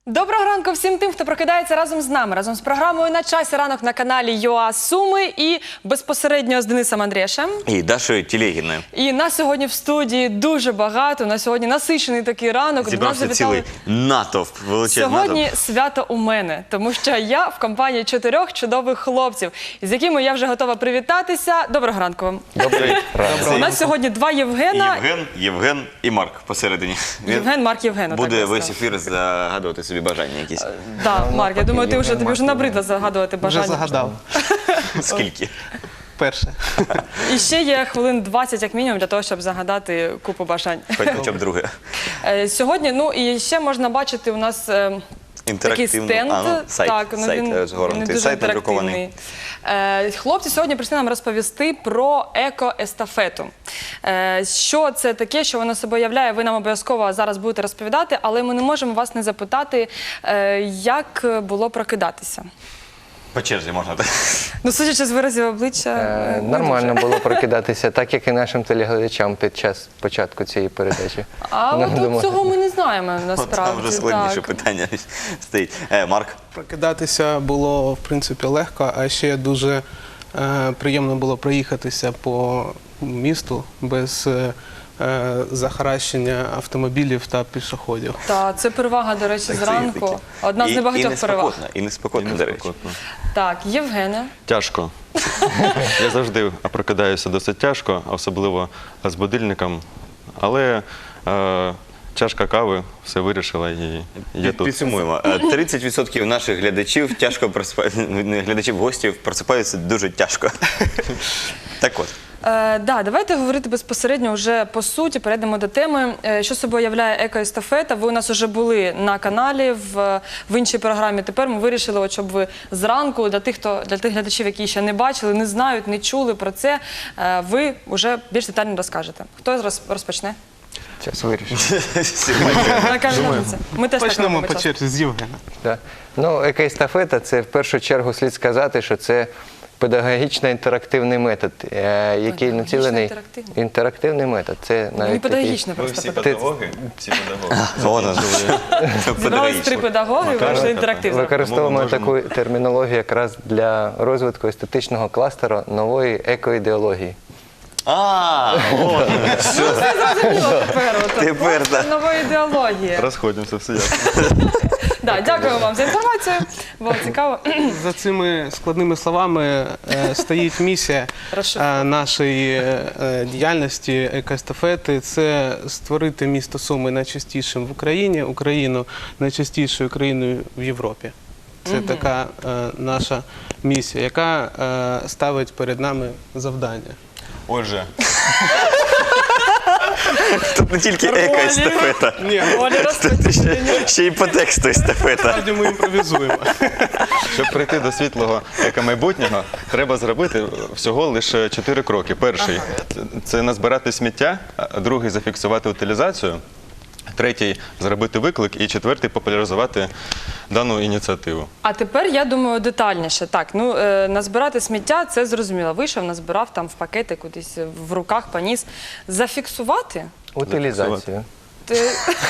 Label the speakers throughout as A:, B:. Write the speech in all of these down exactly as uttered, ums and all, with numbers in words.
A: Доброго ранку всім тим, хто прокидається разом з нами, разом з програмою «На часі ранок» на каналі ЮА Суми і безпосередньо з Денисом Андрєшем.
B: І Дашою Телегіною.
A: І нас сьогодні в студії дуже багато, на сьогодні насичений такий ранок.
B: Зібрався цілий натовп, величезний натовп.
A: Сьогодні свято у мене, тому що я в компанії чотирьох чудових хлопців, з якими я вже готова привітатися. Доброго ранку вам.
B: Добрий ранок.
A: У нас сьогодні два Євгена.
B: Євген, Євген і Марк посередині.
A: Євген, Марк, Євген.
B: Буде весь ефір загадувати собі бажання якісь.
A: Так, Марк, я думаю, ти вже, тобі вже набридло загадувати бажання.
C: Вже загадав.
B: Скільки?
C: Перше.
A: І ще є хвилин двадцять, як мінімум, для того, щоб загадати купу бажань.
B: Хоч хоча б друге.
A: Е, Сьогодні, ну і ще можна бачити у нас е, такий
B: Інтерактивно.
A: стенд.
B: А, ну, сайт,
A: Так, ну,
B: сайт
A: він
B: розгорнутий,
A: не дуже
B: сайт надрукований.
A: інтерактивний. Е, Хлопці сьогодні прийшли нам розповісти про еко-естафету. Е, Що це таке, що воно собою являє, ви нам обов'язково зараз будете розповідати, але ми не можемо вас не запитати, е, як було прокидатися.
B: По черзі можна так.
A: Ну, судячи з виразів обличчя,
D: Е,
A: не
D: Нормально
A: дуже.
D: було прокидатися, так як і нашим телеглядачам під час початку цієї передачі.
A: А
D: Ну,
A: от тут
D: думаю.
A: цього ми не знаємо,
B: От
A: насправді.
B: там вже складніше
A: так.
B: питання стоїть. Е, Марк?
C: Прокидатися було, в принципі, легко, а ще дуже е, приємно було проїхатися по місту без е, е, захаращення автомобілів та пішоходів.
A: Та, це перевага, до речі,
B: Так, це є
A: зранку.
B: таке.
A: Одна з
B: І-
A: небагатьох
B: і
A: переваг.
B: неспокійно, І неспокійно, до речі.
A: Так, Євгене.
E: Тяжко. Я завжди прокидаюся досить тяжко, особливо з будильником. Але е, чашка кави все вирішила і я тут.
B: Підсумуємо. Е, тридцять відсотків наших глядачів тяжко просипаються, не глядачів, гостів просипаються дуже тяжко. Так от.
A: Е, да, давайте говорити безпосередньо вже по суті, перейдемо до теми. Е, що собою являє еко-естафета? Ви у нас вже були на каналі в, в іншій програмі. Тепер ми вирішили, от, щоб ви зранку, для тих, хто, для тих глядачів, які ще не бачили, не знають, не чули про це, е, ви вже більш детально розкажете. Хто роз- розпочне?
D: Час вирішив.
A: Така журналістка. Ми теж так
C: Почнемо
A: робимо
C: по
A: часто.
C: черзі з Євгена.
D: Да. Ну, еко-естафета – це в першу чергу слід сказати, що це педагогічно-інтерактивний метод, е, який націлений…
A: Інтерактивний?
D: Інтерактивний метод. Це
A: Не
D: навіть
A: педагогічно
E: Ви
A: просто.
E: всі
A: педагогічно.
E: педагоги? Всі педагоги.
B: Вона ж
A: Зібрались три педагоги, вийшли інтерактивно.
D: Використовуємо
E: Тому ми можемо-
D: таку термінологію якраз для розвитку естетичного кластеру нової екоідеології.
B: А, от.
A: Зрозуміло тепер. от.
B: Тепер,
A: От
B: так.
A: нова ідеологія.
E: Розходимося, все ясно.
A: Да, дякую вам за інформацію. Було цікаво.
C: За цими складними словами е, стоїть місія
A: Розшифруй.
C: е, нашої е, діяльності екоестафети – це створити місто Суми найчастішим в Україні, Україну найчастішою країною в Європі. Це така е, наша місія, яка е, ставить перед нами завдання.
E: Отже,
B: Тут не тільки еко-естафета.
C: Ні,
A: Оля
B: Тут
A: розпочне.
B: ще, ще й по тексту естафета.
C: насправді ми імпровізуємо.
E: щоб прийти до світлого екомайбутнього, треба зробити всього лише чотири кроки. Перший – це назбирати сміття, а другий – зафіксувати утилізацію, третій – зробити виклик і четвертий – популяризувати дану ініціативу.
A: А тепер я думаю детальніше. Так, ну е, назбирати сміття це зрозуміло. Вийшов, назбирав там в пакети кудись в руках поніс. Зафіксувати?
D: Утилізацію.
A: Ти-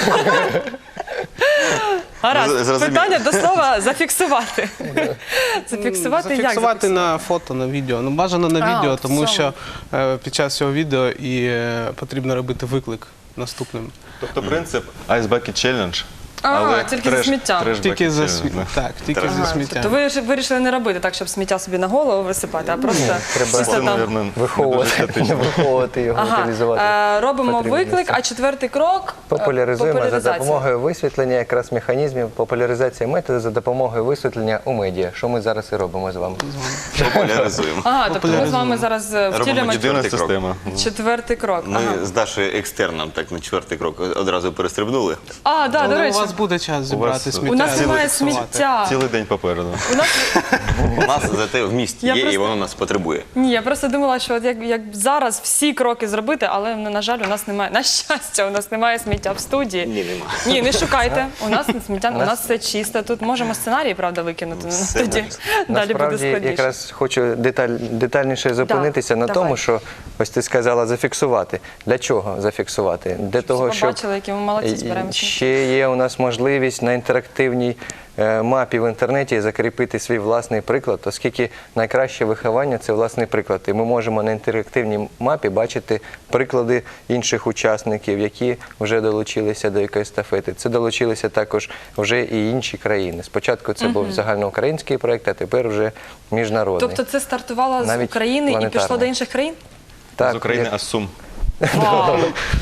A: Гаразд.
B: Зрозуміло.
A: Питання до слова зафіксувати. Зафіксувати як?
C: Зафіксувати на фото, на відео. Ну, бажано на
A: А,
C: відео,
A: в
C: тому
A: цьому.
C: що е, під час цього відео і е, потрібно робити виклик наступним.
E: Тобто принцип Ice Bucket Challenge,
A: А,
E: але
A: тільки за сміття.
E: треш
C: Тільки
E: bucket
C: за
E: challenge,
C: сміття.
E: да.
C: Так, тільки
B: Ага,
C: за
A: Ага,
C: сміття.
A: тобто ви ж вирішили не робити так, щоб сміття собі на голову висипати, а просто
D: треба
A: чисто
E: Це,
A: там.
E: мабуть, не
D: Виховувати,
E: дуже
D: не
E: етично.
D: виховувати його,
A: Ага,
D: утилізувати.
A: е, робимо
D: потрібне
A: виклик,
D: місце.
A: а четвертий крок е,
D: Популяризуємо за
A: популяризація.
D: допомогою висвітлення якраз механізмів популяризації методу за допомогою висвітлення у медіа, що ми зараз і робимо з вами.
B: Популяризуємо.
A: Ага, тобто ми з вами зараз е,
B: Робимо
A: втілюємо
E: Єдина
B: Четвертий крок.
E: система.
A: четвертий крок.
B: Ми
A: Ага.
B: з Дашою екстерном так на четвертий крок одразу перестрибнули.
A: А, да, до
C: Але
A: речі,
C: у вас буде час зібрати
E: вас-
C: сміття.
A: у нас
C: і
A: немає
C: зафіксувати.
A: сміття.
E: Цілий день попереду.
A: У нас
B: У нас зате в місті
A: Я
B: є і
A: просто-
B: воно нас потребує.
A: ні, я просто думала, що от як, як зараз всі кроки зробити, але ну, на жаль, у нас немає. На щастя, у нас немає сміття в студії.
B: Ні, нема.
A: Ні, не шукайте. У нас сміття, у нас все чисто. Тут можемо сценарій, правда, викинути. Ну,
B: Все
A: тоді
B: можна.
A: далі буде
D: Насправді,
A: складніше.
D: якраз хочу деталь, детальніше зупинитися на
A: давай.
D: тому, що ось ти сказала зафіксувати. Для чого зафіксувати? Для того,
A: ви
D: щоб
A: бачили, які ми молодці, збираємо сміття.
D: ще є у нас нас можливість на інтерактивній е, мапі в інтернеті закріпити свій власний приклад, оскільки найкраще виховання – це власний приклад. І ми можемо на інтерактивній мапі бачити приклади інших учасників, які вже долучилися до екоестафети. Це долучилися також вже і інші країни. Спочатку це був загальноукраїнський проєкт, а тепер вже міжнародний.
A: Тобто це стартувало з
D: Навіть
A: України і пішло
D: планетарний.
A: до інших країн?
D: Так,
E: З України,
D: як-
E: а з Сум.
A: Вау!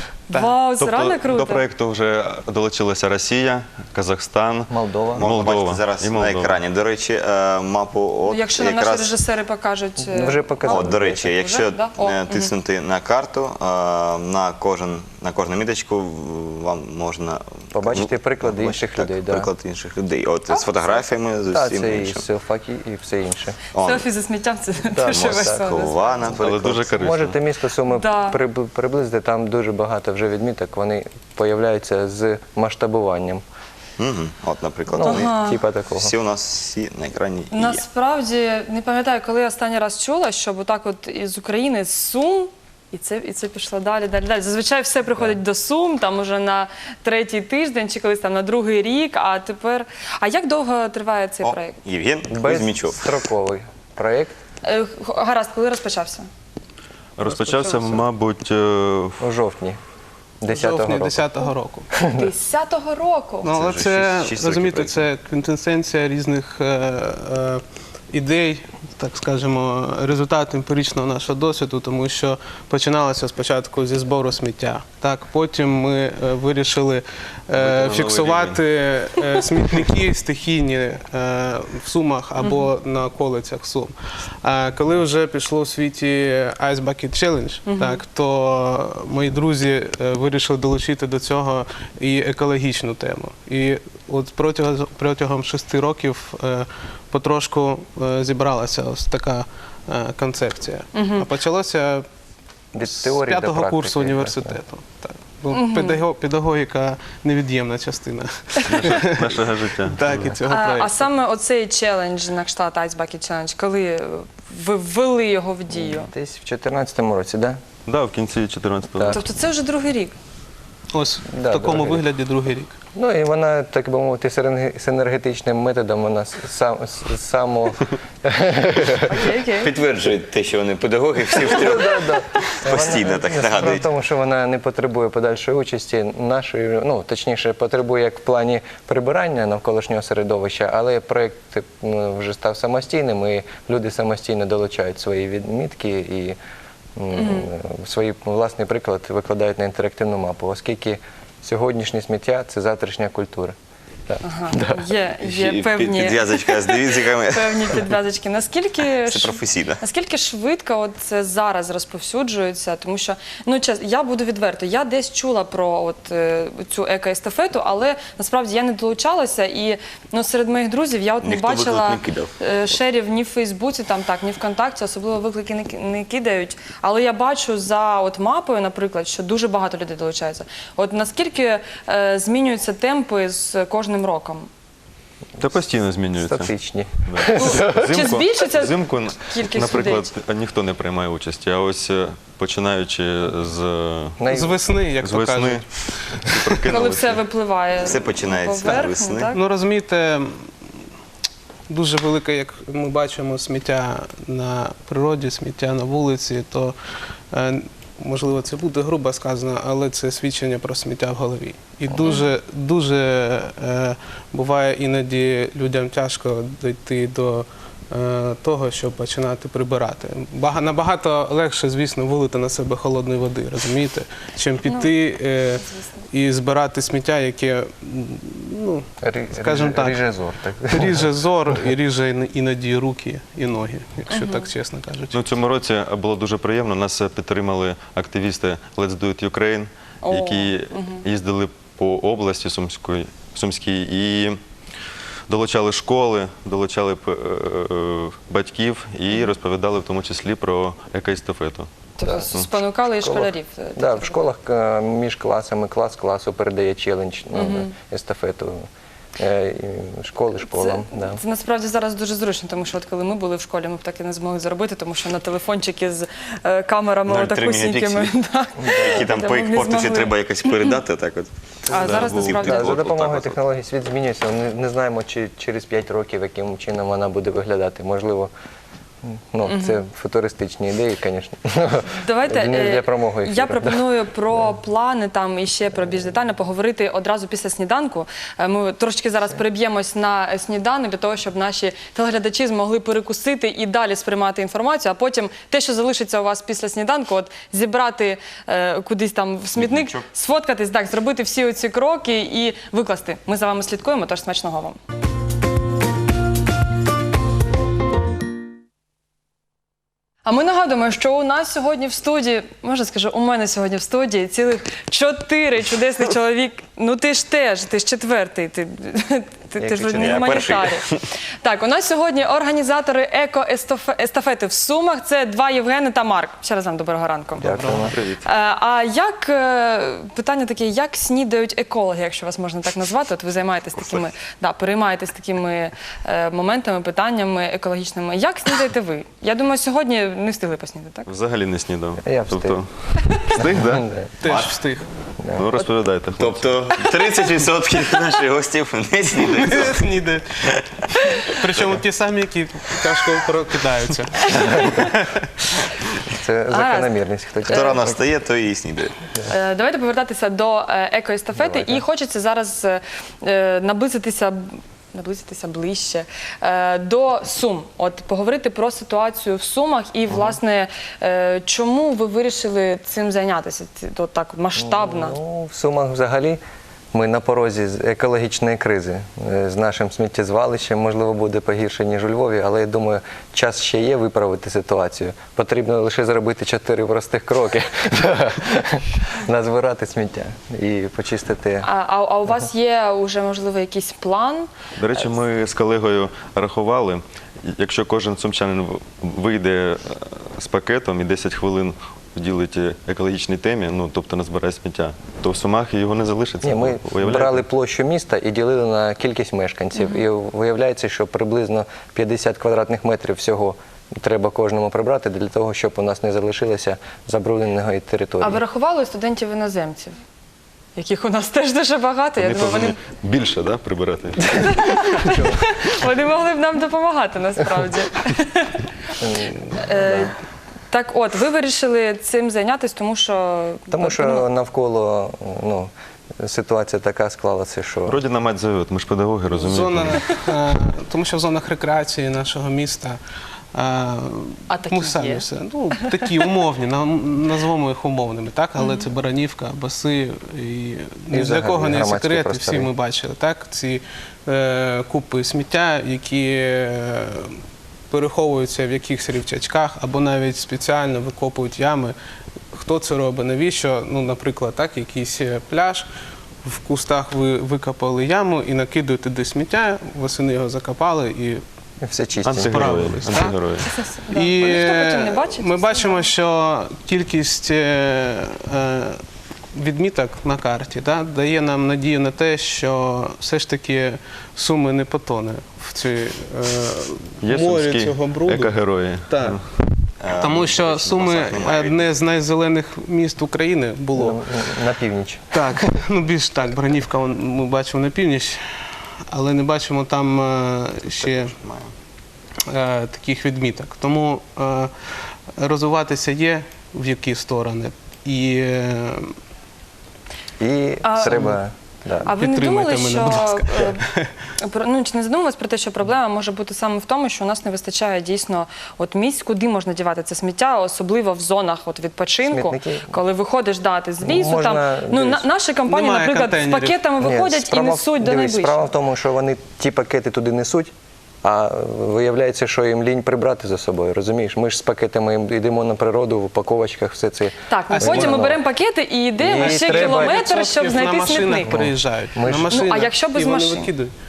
A: Вау, це реально
E: Тобто до
A: круто.
E: проєкту вже долучилася Росія, Казахстан,
D: Молдова.
B: Можна
E: Молдова
B: бачити зараз
E: і
B: на
E: Молдова.
B: екрані. До речі, е, мапу от
A: Ну, якщо нам наші
B: якраз...
A: режисери покажуть. е,
D: Вже показали.
B: От, до речі,
A: Вже?
B: якщо
A: Да? О,
B: е,
A: мгм.
B: тиснути на карту, е, на кожен на кожну міточку в- вам можна
D: Побачити приклади
B: побачити,
D: інших
B: так,
D: людей, да.
B: Приклад інших людей. От з фотографіями, з
D: Так,
B: усім
D: це і
B: іншим.
D: селфаки, і все інше.
B: Он,
A: Селфі зі сміттям це дуже весело.
B: Москва,
E: Але
B: наприклад.
E: дуже корисно.
D: Можете місто Суми
A: Да.
D: приб- приблизити, там дуже багато вже відміток, вони появляються з масштабуванням.
B: Мгм. От, наприклад,
D: Ну,
B: вони
D: типа такого.
B: всі у нас всі на екрані є.
A: Насправді не пам'ятаю, коли я останній раз чула, щоб отак от із України з Сум. І це, і це пішло далі, далі, далі. Зазвичай все приходить до Сум, там уже на третій тиждень чи колись там на другий рік, а тепер... А як довго триває цей
B: О,
A: проєкт?
B: Євген Кузьмічов.
D: Безстроковий проєкт
A: Е, Гаразд, коли розпочався?
E: Розпочався, мабуть, е,
D: у жовтні
C: В
D: десятого
C: жовтні
D: року.
C: десятого року.
A: Десятого року.
C: Ну, але
B: вже
C: це,
B: шість- шість
C: розумієте,
B: років
C: це квінтесенція різних е, е, ідей, так скажемо, результат емпіричного нашого досвіду, тому що починалося спочатку зі збору сміття. Так, потім ми е, вирішили е,
E: новий
C: фіксувати е, смітники стихійні е, в Сумах або на околицях Сум. А коли вже пішло в світі Ice Bucket Challenge, так, то мої друзі е, вирішили долучити до цього і екологічну тему. І от протягом, протягом шести років е, потрошку е, зібралася ось така е, концепція. А почалося
D: Від
C: з
D: теорії до
C: п'ятого
D: практики,
C: курсу
D: якраз,
C: університету. Так. Бо педаго- педагогіка невід'ємна частина
E: нашого життя.
C: так, і цього
A: А, а
C: проєкту.
A: саме оцей челендж на кшталт Ice Bucket Challenge, коли ви ввели його в дію?
D: Десь в дві тисячі чотирнадцятому році, так?
E: Да, в кінці чотирнадцятого
D: Так.
E: року.
A: Тобто це вже другий рік.
C: Ось
D: Да,
C: в такому
D: другий рік.
C: вигляді другий рік.
D: Ну і вона, так би мовити, синерги- синергетичним методом вона сам, с- само...
A: Окей, окей.
B: Підтверджують те, що вони педагоги, всі втрьох постійно так
D: Справа в
B: нагадують.
D: тому, що вона не потребує подальшої участі нашої, ну точніше, потребує як в плані прибирання навколишнього середовища, але проєкт ну, вже став самостійним, і люди самостійно долучають свої відмітки і м, свій власний приклад викладають на інтерактивну мапу, оскільки сьогоднішнє сміття це завтрашня культура. Так.
A: Ага. Є, є
B: І під-
A: певні,
B: Підв'язочка з девізиками.
A: певні підв'язочки. Наскільки,
B: Це
A: ш-
B: професійно.
A: наскільки швидко от це зараз розповсюджується? Тому що, ну чесно, я буду відверто, я десь чула про от, е, цю екоестафету, але насправді я не долучалася і ну, серед моїх друзів я от не
B: Ніхто виклик
A: бачила
B: не кидав.
A: е, шерів ні в Фейсбуці, там так, ні ВКонтакті, особливо виклики не, ки- не кидають. Але я бачу за от мапою, наприклад, що дуже багато людей долучаються. От наскільки е, змінюються темпи з кожним роком?
E: Та постійно змінюється.
D: Статичні.
A: Чи збільшиться
E: взимку,
A: кількість
E: наприклад, ніхто не приймає участі, а ось е, починаючи з,
D: Най-
C: З весни, як
E: з
C: то
E: весни,
C: кажуть.
E: всі
A: Коли
E: прокинулися.
A: все випливає
B: Все починається з
A: поверхню,
B: весни.
A: так?
C: Ну розумієте, дуже велике, як ми бачимо, сміття на природі, сміття на вулиці, то е, можливо це буде грубо сказано, але це свідчення про сміття в голові. І дуже, дуже е, буває іноді людям тяжко дійти до е, того, щоб починати прибирати. Бага- набагато легше, звісно, вилити на себе холодної води, розумієте, чим піти е, і збирати сміття, яке, м, ну,
D: Рі-
C: скажімо так,
D: ріже зор, так.
C: ріже зор і ріже іно- іноді руки і ноги, якщо так чесно кажучи.
E: Ну, в цьому році було дуже приємно. Нас підтримали активісти Let's Do It Ukraine,
A: О,
E: які їздили по області Сумської, Сумській і долучали школи, долучали е, е, батьків і розповідали в тому числі про екоестафету.
A: Тобто спонукали і школярів. е,
D: Да,
A: такі
D: в школах е, між класами клас класу передає челендж, ну, естафету. Е, і школи школам.
A: Це,
D: Да.
A: це насправді зараз дуже зручно, тому що от коли ми були в школі, ми б так і не змогли зробити, тому що на телефончики з е, камерами
B: нуль цілих три
A: отакусінькими.
B: мегапікселі.
A: так,
B: Які там
A: де
B: по
A: ми не
B: експорту ще
A: змогли.
B: треба якось передати, так от.
A: А зараз
B: був
A: насправді
D: Да,
B: тип
D: за
B: от-
D: допомогою
B: отак от.
D: технологій світ змінюється. Ми не знаємо, чи через п'ять років, яким чином вона буде виглядати. Можливо, ну, це футуристичні ідеї, звісно.
A: Давайте
D: Не
A: е,
D: для промоги ефіру.
A: я пропоную про плани там і ще про більш детально поговорити одразу після сніданку. Е, Ми трошки зараз переб'ємось на сніданок для того, щоб наші телеглядачі змогли перекусити і далі сприймати інформацію. А потім те, що залишиться у вас після сніданку, от зібрати е, кудись там в смітник,
B: Смітничок.
A: сфоткатись, так, зробити всі оці кроки і викласти. Ми за вами слідкуємо, тож смачного вам. А ми нагадуємо, що у нас сьогодні в студії, можна скажу, у мене сьогодні в студії цілих чотири чудесних чоловік. Ну ти ж теж, ти ж четвертий, ти, ти, ти ж
B: Якщо
A: не
B: я
A: гуманітарій. Так, у нас сьогодні організатори еко-естафети в Сумах. Це два Євгени та Марк. Ще раз вам доброго ранку.
D: Дякуємо.
B: Привіт.
A: Е, А як, е, питання таке, як снідають екологи, якщо вас можна так назвати? От ви займаєтесь такими, да, переймаєтесь такими е, моментами, питаннями екологічними. Як снідаєте ви? Я думаю, сьогодні не встигли поснідати, так?
E: Взагалі не снідав.
D: Я встиг.
E: Тобто, встиг, так?
C: Теж встиг.
E: Ну, розповідайте, хлопці.
B: Тобто тридцять відсотків наших гостів не снідають.
C: Ніде. Причому ті самі, які тяжко прокидаються.
D: Це закономірність. Хто
B: Хто рано встає, то і снідає.
A: Е, Давайте повертатися до е, екоестафети.
D: Давайте.
A: І хочеться зараз е, наблизитися, наблизитися ближче е, до Сум. От поговорити про ситуацію в Сумах і, власне, е, чому ви вирішили цим зайнятися? Ці- от так масштабно.
D: Ну, в Сумах взагалі ми на порозі з екологічної кризи. Е, З нашим сміттєзвалищем, можливо, буде погірше, ніж у Львові, але я думаю, час ще є виправити ситуацію. Потрібно лише зробити чотири простих кроки. Назбирати сміття і почистити.
A: А, а, а у вас є вже, можливо, якийсь план?
E: До речі, ми з колегою рахували, якщо кожен сумчанин в- вийде е, з пакетом і десять хвилин вділить екологічній темі, ну, тобто назбирає сміття, то в Сумах його не залишиться.
D: Ні, ми
E: Уявляєте?
D: брали площу міста і ділили на кількість мешканців. І виявляється, що приблизно п'ятдесят квадратних метрів всього треба кожному прибрати для того, щоб у нас не залишилося забрудненої території.
A: А ви рахували студентів-іноземців, яких у нас теж дуже багато? Я
E: Вони
A: думаю, вони,
E: повинні більше, да, прибирати?
A: вони могли б нам допомагати насправді. Е, Так от, ви вирішили цим зайнятися, тому що...
D: Тому що навколо ну, ситуація така склалася, що
E: Родина мать зовет, ми ж педагоги, розумієте?
C: Зона, е, тому що в зонах рекреації нашого міста е,
A: А такі
C: ми самі
A: є?
C: все. Ну, такі умовні, на- назвемо їх умовними, так? Але це Баранівка, Баси, і ні для
D: взагалі
C: кого не
D: громадські
C: секрет, і
D: простори.
C: всі ми бачили, так? Ці е, купи сміття, які е, переховуються в якихось рівчачках або навіть спеціально викопують ями. Хто це робить? Навіщо? Ну, наприклад, так, якийсь е, пляж, в кустах ви викопали яму і накидують туди сміття, восени його закопали і
D: все чисті.
E: Антигерої.
C: Справились, так?
E: Антигерої.
A: Да.
C: І
A: Бо ніхто потім не бачить,
C: ми
A: все
C: бачимо, що кількість е, е, відміток на карті да, дає нам надію на те, що все ж таки Суми не потоне в цій е,
E: Є
C: морі
E: сумські
C: цього бруду.
E: екогерої.
C: Так. Тому що Суми одне з найзелених міст України було.
D: Ну, на північ.
C: Так, ну більш так, Бранівка он, ми бачимо на північ, але не бачимо там е, ще е, таких відміток. Тому е, розвиватися є в які сторони. І е,
D: І
A: А,
D: треба. Да.
A: А ви не
C: Підтримуйте
A: думали,
C: мене, будь
A: що
C: ласка.
A: е, про- ну чи не задумувались про те, що проблема може бути саме в тому, що у нас не вистачає дійсно от місць, куди можна дівати це сміття, особливо в зонах от відпочинку,
D: Смітники?
A: коли виходиш дати з лісу.
D: Можна
A: Там ну на,
D: десь-
A: наші компанії,
C: Немає
A: наприклад, з
C: контейнерів.
A: пакетами
D: Ні,
A: виходять і
D: справа в-
A: несуть до
D: дивись,
A: найближчого.
D: Справа в тому, що вони ті пакети туди несуть, а виявляється, що їм лінь прибрати за собою. Розумієш? Ми ж з пакетами йдемо на природу, в упаковочках, все це.
A: Так, ну
C: А
A: потім ми
D: зелено.
A: беремо пакети і йдемо
D: І
A: ще
D: треба-
A: кілометр, щоб
C: на
A: знайти
C: машинах
A: смітник.
C: приїжджають.
D: Ми
C: на
D: ж-
C: машинах,
A: Ну, а якщо без
C: і вони
A: машин?
C: викидають.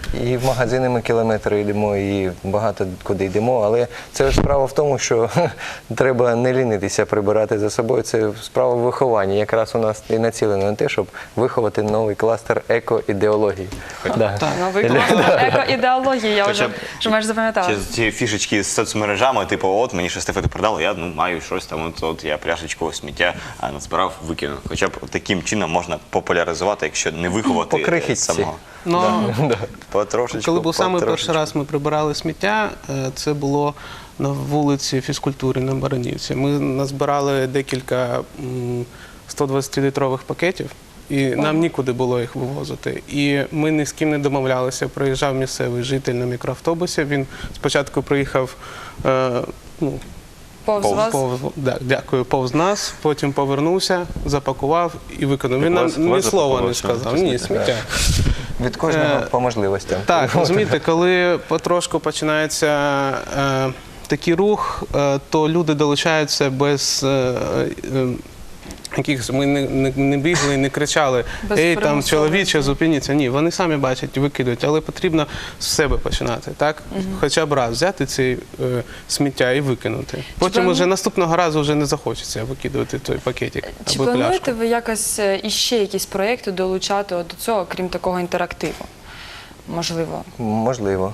D: І в магазини ми кілометри йдемо, і багато куди йдемо. Але це ж справа в тому, що треба не лінитися прибирати за собою. Це справа в вихованні. Якраз у нас і націлено на те, щоб виховати новий кластер еко-ідеології. Да.
A: Новий клас еко-ідеології, я вже,
B: Хоча б
A: що маєш запам'ятала.
B: Чи ці фішечки з соцмережами, типу, от мені ще естафету продали, я ну, маю щось там, от, от я пляшечку сміття а, назбирав, викинув. Хоча б таким чином можна популяризувати, якщо не виховати
D: По крихітці.
B: самого.
C: Ну,
B: Потрошечку,
C: коли був саме перший
B: потрошечку.
C: раз ми прибирали сміття, е, це було на вулиці фізкультури на Баранівці. Ми назбирали декілька сто двадцятилітрових пакетів, і нам нікуди було їх вивозити. І ми ні з ким не домовлялися. Приїжджав місцевий житель на мікроавтобусі. Він спочатку приїхав, е, ну,
A: Повз вас.
C: повз, да, дякую, повз нас, потім повернувся, запакував і виконав. Він
E: Так
C: нам
E: вас-
C: ні
E: вас
C: слова не
E: запакував,
C: сказав.
E: що
C: Ні,
E: сміття?
C: сміття.
D: Від кожного
C: Е,
D: по можливостям.
C: Так, розумієте, коли потрошку починається е, такий рух, е, то люди долучаються без е, е, якихось, ми не, не, не бігли і не кричали,
A: Без
C: ей, там,
A: примусовості.
C: чоловіче, зупиніться. Ні, вони самі бачать і викидують, але потрібно з себе починати, так? Хоча б раз взяти ці е, сміття і викинути. Потім
A: плану-
C: вже наступного разу вже не захочеться викидувати той пакетик
A: Чи
C: або
A: плануєте
C: пляшку.
A: ви якось е, іще якісь проєкти долучати от до цього, крім такого інтерактиву? Можливо.
D: Можливо.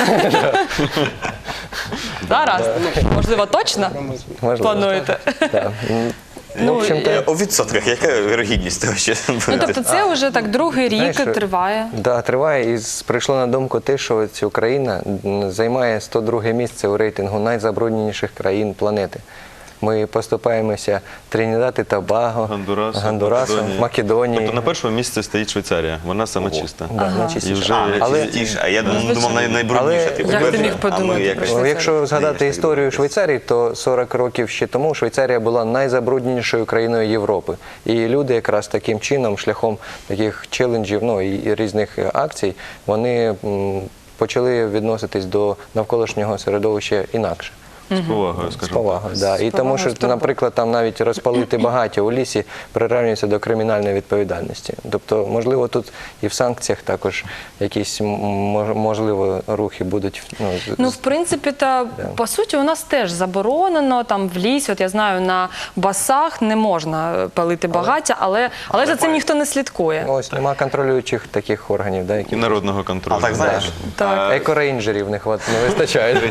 A: Зараз? Ну, можливо, точно
D: Можливо.
A: плануєте?
D: Да.
A: Ну,
D: В общем-то,
B: Е, У відсотках, яка вірогідність того, що
A: Ну, тобто це вже так другий рік
D: Знаєш,
A: триває.
D: Да, триває. І з- прийшло на думку те, що ось Україна м, займає сто друге місце у рейтингу найзабрудненіших країн планети. Ми поступаємося Тринідад і Тобаго,
E: Гондурасу,
D: Гондурасу,
E: Македонії.
D: Македонії.
E: Тобто на першому місці стоїть Швейцарія, вона саме
B: Ого.
E: чиста.
D: Да,
E: І
D: найчистіше.
E: вже-
B: а,
D: Але-
B: найчистіше. А я думав, думав най- найбрудніше.
D: Але-
B: типу,
A: Як ти
B: перше,
A: міг
B: а ми
A: подумати
B: якось-
A: про
D: Ну,
A: Швейцарію?
D: якщо згадати
B: Знаєш,
D: історію
B: так
D: Швейцарії, то сорок років ще тому Швейцарія була найзабрудненішою країною Європи. І люди якраз таким чином, шляхом таких челенджів, ну і і різних акцій, вони м, почали відноситись до навколишнього середовища інакше.
E: З повагою,
D: З
E: скажімо.
D: повагою, да. І
A: З
D: тому,
A: повагою, з
D: що,
A: турботою.
D: наприклад, там навіть розпалити багаття у лісі прирівнюється до кримінальної відповідальності. Тобто, можливо, тут і в санкціях також якісь м, мож- можливо рухи будуть. Ну, з-
A: Ну, в принципі, та по суті, у нас теж заборонено там в лісі. От я знаю, на басах не можна палити багаття, але, але за цим ніхто не слідкує.
D: ось нема контролюючих таких органів, да, які
E: І народного контролю.
B: А так знаєш?
A: Так.
D: екорейнджерів не хват не вистачає.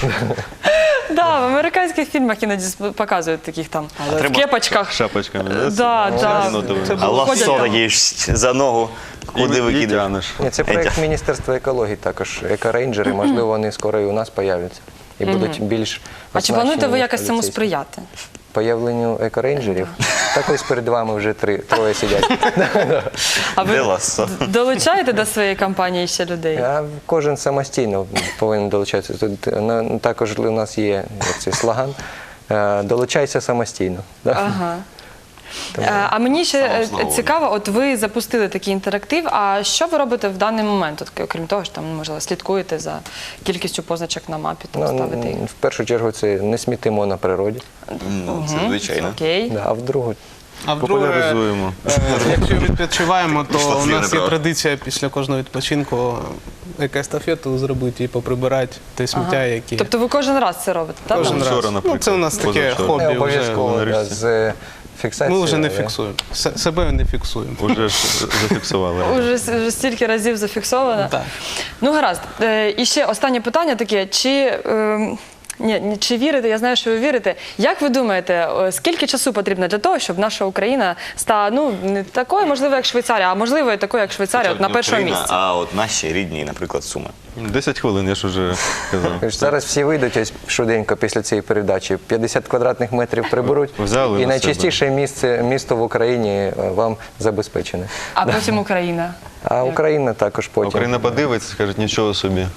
A: Да, в американських фільмах іноді сп- показують таких там в
B: треба-
A: кепочках.
E: Шапочками.
A: Да, да.
E: Єнотовими.
B: А ласо
A: Ходять там.
B: такі ж за ногу, куди
E: І
B: викидаєш.
E: тянеш.
D: Ні, це проект Міністерства екології також. Екорейнджери, можливо, вони скоро і у нас появляться і будуть більш.
A: А чи плануєте ви
D: оснащені
A: якось цьому
D: поліцейськими.
A: сприяти?
D: Появленню екорейнджерів? Так ось перед вами вже три, троє сидять.
A: А
B: Де
A: ви
B: ласо?
A: долучаєте до своєї кампанії ще людей?
D: А кожен самостійно повинен долучатися. Тут е, на- також у нас є як цей слоган е, «Долучайся самостійно». Да?
A: Ага. Е, А мені ще
B: Слава
A: е,
B: Славу.
A: цікаво, от ви запустили такий інтерактив. А що ви робите в даний момент? От, окрім того, що там можливо слідкуєте за кількістю позначок на мапі, там
D: Ну,
A: ставите їх?
D: в першу чергу це не смітимо на природі,
B: Ну, це звичайно.
A: Окей.
D: да, а в другу
C: А вдруге,
E: Популяризуємо.
C: е, якщо відпочиваємо, то
B: Пішла
C: у
B: слівна
C: нас є
B: права.
C: традиція після кожного відпочинку екоестафету зробити і поприбирати те сміття, яке
A: Тобто ви кожен раз це робите, так?
C: кожен
E: Вчора,
C: раз.
E: наприклад,
C: Ну, це у нас таке
E: позавчора.
C: хобі
D: не
C: вже.
D: обов'язково
E: на
D: да,
E: річці.
D: з фіксацією.
C: Ми вже не
D: да.
C: фіксуємо. С- Себе не фіксуємо.
E: Уже ж зафіксували.
A: Уже, с- вже стільки разів зафіксовано.
C: Так.
A: Ну, гаразд. Е, І ще останнє питання таке. Чи, ем, ні, ні, чи вірите, я знаю, що ви вірите. Як ви думаєте, е, скільки часу потрібно для того, щоб наша Україна стала, ну, не такою, можливо, як Швейцарія, а можливо, і такою, як Швейцарія, от на
B: Не
A: першому
B: Україна,
A: місці?
B: А от наші рідні, наприклад, Суми.
E: Десять хвилин, я ж уже казав.
D: Тож Зараз всі вийдуть ось швиденько після цієї передачі, п'ятдесят квадратних метрів приберуть,
E: Взяли
D: і
E: на
D: найчастіше місце, місто в Україні е, вам забезпечене.
A: А потім Україна.
D: А Україна також потім.
E: Україна подивиться, скаже, нічого собі.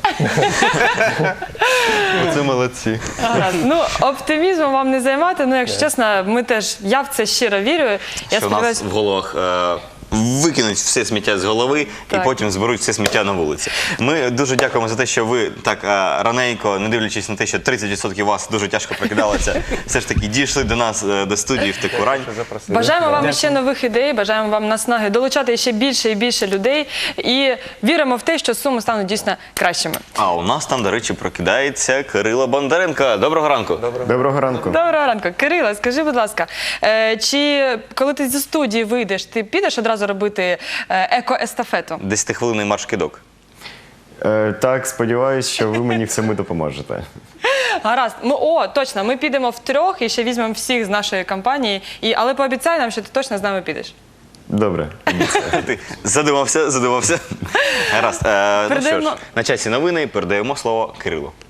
E: Оце молодці.
A: Гаразд. Ну, оптимізмом вам не займати. Ну, якщо чесно, ми теж, я в це щиро вірю. Я
B: Що у нас
A: сподіваюся,
B: в головах е, викинуть все сміття з голови
A: Так.
B: і потім зберуть все сміття на вулиці. Ми дуже дякуємо за те, що ви так а, раненько, не дивлячись на те, що тридцять відсотків вас дуже тяжко прокидалося, все ж таки дійшли до нас, е, до студії в таку рань.
D: Запросили.
A: Бажаємо вам ще нових ідей, бажаємо вам наснаги долучати ще більше і більше людей. І віримо в те, що Суми стануть дійсно кращими.
B: А у нас там, до речі, прокидається Кирило Бондаренко. Доброго ранку.
F: Доброго ранку.
A: Доброго ранку. Кирило, скажи, будь ласка, е, чи коли ти зі студії вийдеш, ти підеш одразу робити е, еко-естафету?
B: Десятихвилинний марш-кидок.
F: Е, так, сподіваюсь, що ви мені в цьому допоможете.
A: Гаразд. Ну, о, точно, ми підемо втрьох і ще візьмемо всіх з нашої компанії. І, але пообіцяй нам, що ти точно з нами підеш.
F: Добре.
B: Ти задумався, задумався. Гаразд. Е, ну що
A: Передаємо-
B: ж, на часі новини передаємо слово Кирилу.